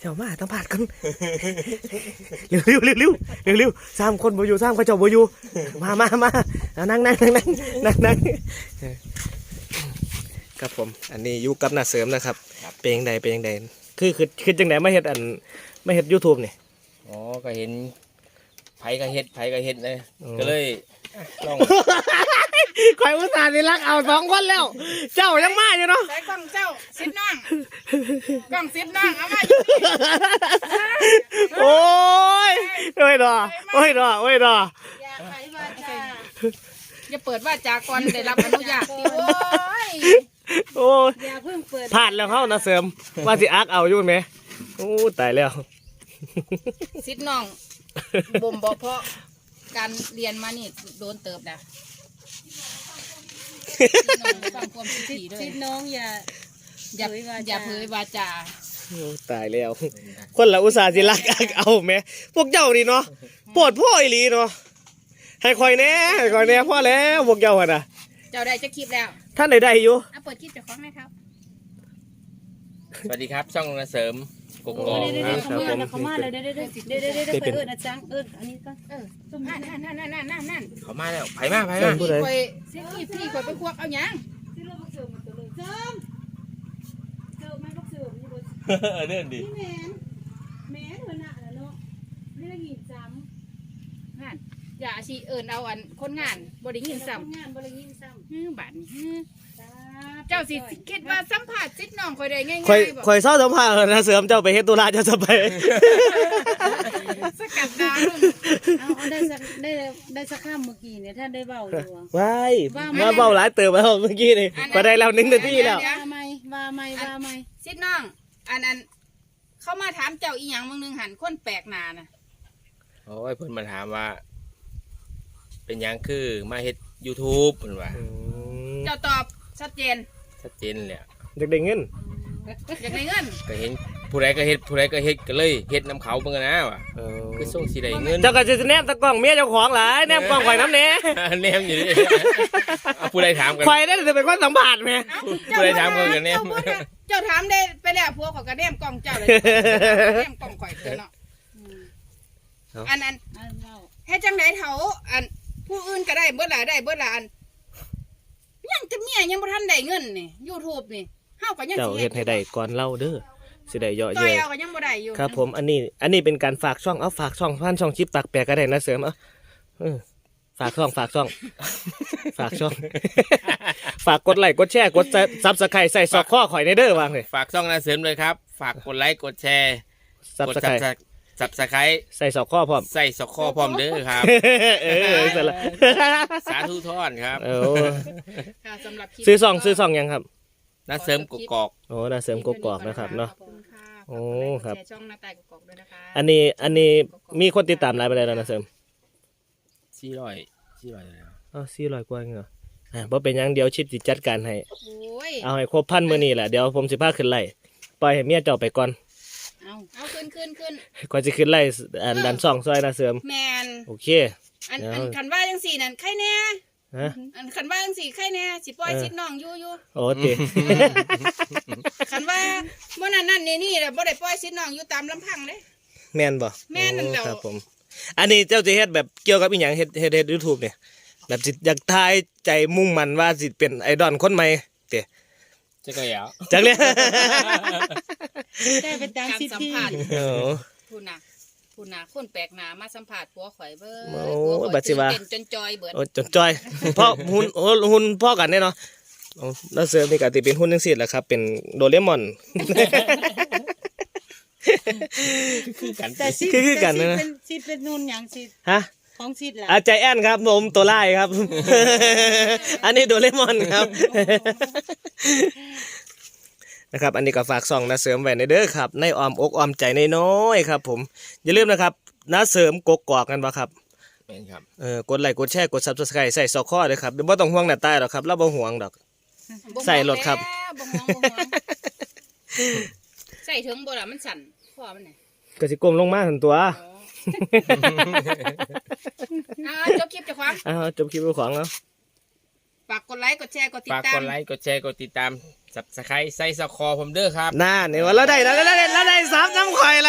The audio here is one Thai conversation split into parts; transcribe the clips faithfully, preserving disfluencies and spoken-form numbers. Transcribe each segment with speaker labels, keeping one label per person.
Speaker 1: เจ้ามาต้องผ่านกันเร็วเร็วเร็วเร็วเร็วเร็วสามคนบ่อยู่สามเขาเจ้าบ่อยู่มามามานั่งนั่งนั่งนั่งนั่งนั่งครับผมอันนี้อยู่กับน้าเสริมนะครับเป็นยังไงเป็นยังไงคือคือคือจังไดมาเฮ็ดอันมาเฮ็ด YouTube นี่
Speaker 2: อ๋อก็เห็นไผก็เฮ็ดไผก็เฮ็ดเลยก็เลยลอง
Speaker 1: ข่อยอุตส่าห์สิรักเอาสองคนแล้วเจ้ายังมาอยู่เนาะ
Speaker 3: ใส่กล้องเจ้าซิดน้องกล้องซิดน้องเอามา
Speaker 1: โอ้ยโอ้ยดอโอ้ยดอโอ้ยดอ
Speaker 3: อย่าไปว่าจ้าอย่าเปิดว่าจาก่อนได้รับอนุญาตดิโอ้ย
Speaker 1: โอ้ย
Speaker 3: อย่าเพิ่งเปิด
Speaker 1: ผ่านแล้วเข้านะเสริมว่าสิอักเอาอยู่ไหมโอ้ตายแล้ว
Speaker 3: ซิดน้องบ่มบ่เพราะการเรียนมานี่โดนเติบนะซิดน้องอย่าอย่าอย่าเผยวาจา
Speaker 1: ตายแล้วคนละอุตส่าห์สิรักอักเอาไหมพวกเจ้านี่เนาะปวดพ่ออีหลีเนาะให้คอยแน่ให้คอยแน่พ่อแล้วพวกเจ้าอะนะ
Speaker 3: เจ้าได้จะคลิปแล้ว
Speaker 1: ท่านใดได้อยู่
Speaker 3: อ่ะเปิดคลิปจากของไหมครับ
Speaker 2: สวัสดีครับช่องนาเสริมกกอก
Speaker 3: ครับผมเขามาเลยเด้เด้เด้เด้เด้เด้เด้เอิญอาจารย์เอิญอันนี้ก็เออนั่นนั่นนั่นนั่นนั่นนั่น
Speaker 2: เขามาแล้วไผมาไผมา
Speaker 3: พี่คอยเสียพี่พี่คอยไปควักเอาหยังเสริมเสริมเสริมเสริมเสริมมันก็เสริมนี่บน
Speaker 2: เดินดิ
Speaker 3: แมนแมนเหมือนน่ะเนาะไม่ได้ยินซ้ำงานอย่าชีเอิญเอาอันคนงานบริยินซ้ำงานบริยินซ้ำฮือบัตรฮือเจ้าสิคิดว่าสัมผัสจิตน้องคอยได้ง่ายๆ
Speaker 1: คอยคอยเศร้าสัมผัสนะเสริมเจ้าไปเฮ็ดตุลาเจ้าจะไป
Speaker 3: สกัดดาวเอาได้สักได้ได้สักข้ามเมื่อกี้เนี่ยท่านได้เบาอยู่
Speaker 1: ว้ายมาเบาหลายเติมแล้วเมื่อกี้นี่มาได้แล้วหนึ่งนาทีแล้ว
Speaker 3: ว่าไม่ว่าไม่ว่าไม่จิตน้องอันอันเข้ามาถามเจ้าอีหยังมึงนึงหันคนแปลกหน้าน่ะ
Speaker 2: โอ้ยเพิ่นมาถามว่าเป็นยังคือมาเฮ็ด YouTube เพิ่นว่า
Speaker 3: เจ้าตอบชัดเจน
Speaker 2: ชัดเจนเลย
Speaker 1: อยากได้เงิน
Speaker 3: อยากได้เงิน
Speaker 2: ก็เห็นผู้ใดก็เฮ็ดผู้ใดก็เฮ็ดก็เลยเฮ็ดน้ำเขาเบิ่งนะว่ะคือส่งสิได้เงิน
Speaker 1: เจ้าก็จะแนมตะกล้องเมียเจ้าของหลายแนมกล้องข่อยน้ำเนี้ย
Speaker 2: แนมอยู่ดิผู้ใดถามกัน
Speaker 1: ข่อยได้จะเป็นคนสัมผัสไหม
Speaker 2: ผู้ใดถามกันกันแนม
Speaker 3: เจ้าถามได้ไปแล้วพวกเขาก็แนมกล้องเจ้าเลยแนมกล้องข่อยเนาะอันนั้นให้จังไดเถาอันผู้อื่นก็ได้เบิดหลายได้เบิดหลายอันยังจะเมียยังบ่ทันได้เงินนี่ YouTube นี่เฮาก็ยัง
Speaker 1: สิเฮ็ดให้ได้ก่อนเล่าเด้อสิได้เยอะๆต่
Speaker 3: อยเอาก็ยังบ่ได้อยู่
Speaker 1: ครับผมอันนี้อันนี้เป็นการฝากช่องเอาฝากช่องพันช่องชิปปากแปลกก็ได้นะเสริมเอาฝากช่องฝากช่องฝากช่องฝากกดไลค์กดแชร์กดซับสไครบ์ใส่ซอกข้อข่อยในเด้อวางเลย
Speaker 2: ฝากช่องนาเสริมเลยครับฝากกดไลค์กดแชร์
Speaker 1: ซับสไครบ์
Speaker 2: สับสไครต์
Speaker 1: ใส่ซอกข้อพร้อม
Speaker 2: ใส่ซอกข้อพร้อมเด้อครับ
Speaker 1: เออเสร็จแล้ว
Speaker 2: สาธุทอนครับ
Speaker 1: โอ้ซื้อซองซื้อซองยังครับ
Speaker 2: นาเสริมกกอก
Speaker 1: โอ้นาเสริมกกอกนะครับเนาะโอ้ครับ
Speaker 3: ช่องนาตายกกอกด้วยนะคะ
Speaker 1: อันนี้อันนี้มีคนติดตามหลายไปแล้วนาเสริม
Speaker 2: สี่ร้อยสี่ร้อยแล้ว
Speaker 1: อ๋อสี่ร้อยกว่าเหรออ่าเพราะเป็นยังเดี๋ยวชิปจิจัดการให้เอาให้ครบพันมื้อนี้แหละเดี๋ยวผมสิพาขึ้นไล่ปล่อยให้เมียเจ้าไปก่อน
Speaker 3: เอาเอาขึ้นขึ้นขึ้น
Speaker 1: ก่อนจะขึ้นไล่อันดันสองซอยนาเสริม
Speaker 3: แมน
Speaker 1: โอเค
Speaker 3: อันอันขันว่าจังสี่นั่นใครแน่อันขันว่าจังสี่ใครแน่สิปล่อยชิดน้องอยู่อยู่
Speaker 1: โอ้ติ
Speaker 3: ขันว่าเมื่อนั้นนั่นนี่นี่แหละบ่ได้ปล่อยชิดน้องอยู่ตามลำพังเด้
Speaker 1: แม่นบ่
Speaker 3: แม่นนั่นแหละ
Speaker 1: ครับผมอันนี้เจ้าจะเฮ็ดแบบเกี่ยวกับอีหยังเฮ็ดเฮ็ดเฮ็ด YouTube เนี่ยแบบสิอยากทายใจมุ่งมั่นว่าสิเป็นไอดอลคนใหม่เตะ
Speaker 2: จักแล้ว
Speaker 1: จักเลย
Speaker 3: ได้เป็นการสัมภาษณ์พูดนะพูดนะคนแปลกหน้ามาสัมภาษณ์ผัวข่อยเบิ่ง
Speaker 1: โอ้บัดสิว่า
Speaker 3: เป็นจนจอยเบิด
Speaker 1: โอ้จนจอยพ่อหุ่นโอ้หุ่นพ่อกันแน่เนาะแล้วเสริมนี่ก็สิเป็นหุ่นจังซี่แหละครับเป็นโดเรมอน
Speaker 2: คือกัน
Speaker 3: แต่สิ
Speaker 1: คือกันนะ
Speaker 3: เป็นสิเป็นนุ่นหยังสิ
Speaker 1: ฮะ
Speaker 3: ของสิล่ะ
Speaker 1: อาใจแอนครับผมตัวไล่ครับอันนี้โดเรมอนครับนะครับอันนี้ก็ฝากส่องนาเสริมไว้ในเด้อครับในอ้อมอกอ้อมใจน้อยๆครับผมอย่าลืมนะครับนาเสริมกกอกกันบ่ครับ
Speaker 2: เป็นครับ
Speaker 1: เออกดไลค์กดแชร์กด Subscribe ใส่ซอกข้อเลยครับเดี๋ยวบ่ต้องห่วงหน้าตาหรอกครับเราบ่ห่วงดอกใส่รถครับ
Speaker 3: ใส่ถึงบ่ล่ะมันสั่นคอมันน่ะ
Speaker 1: ก็สิก้มลงมาหั่นตัว
Speaker 3: อ่าจบคลิปเจ้าของ
Speaker 1: อ่าจบคลิปเจ้าของแล้ว
Speaker 3: ฝากกดไลค์กดแชร์กดติดตาม
Speaker 2: ฝากกดไลค์กดแชร์กดติดตามสับสไครต์ใส่ซอกคอผมเด้อครับ
Speaker 1: น่าเนี่ยว่าเราได้เราได้เราได้ซับน้ำข่อย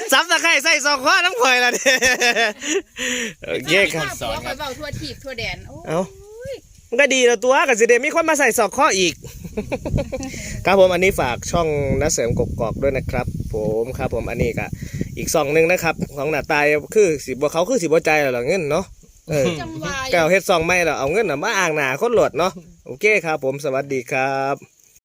Speaker 1: ซับตะไคร้ใส่ซองข้อน้ำข่อยละเด้โอเคครับ
Speaker 3: ผัวข่อยเว้าทั่วทีบทั่วแดนโอ้
Speaker 1: เอ้า มันก็ดีแล้วตัวกับสิเดมีคนมาใส่ซอกข้ออีก ครับผมอันนี้ฝากช่องน้าเสริมกกอกด้วยนะครับ ผมครับผมอันนี้ก็อีกซองหนึงนะครับของหน้าตายคือสิบ่เขาคือสิบ่ใจายแล้วล่ะเงินเนาะเออ
Speaker 3: จังหวะ
Speaker 1: แก้วเฮ็ดซองไม่แล้วเอาเงินน่ะมาอ่างหน้าคนโหลดเนาะโอเคครับผมสวัสดีครับ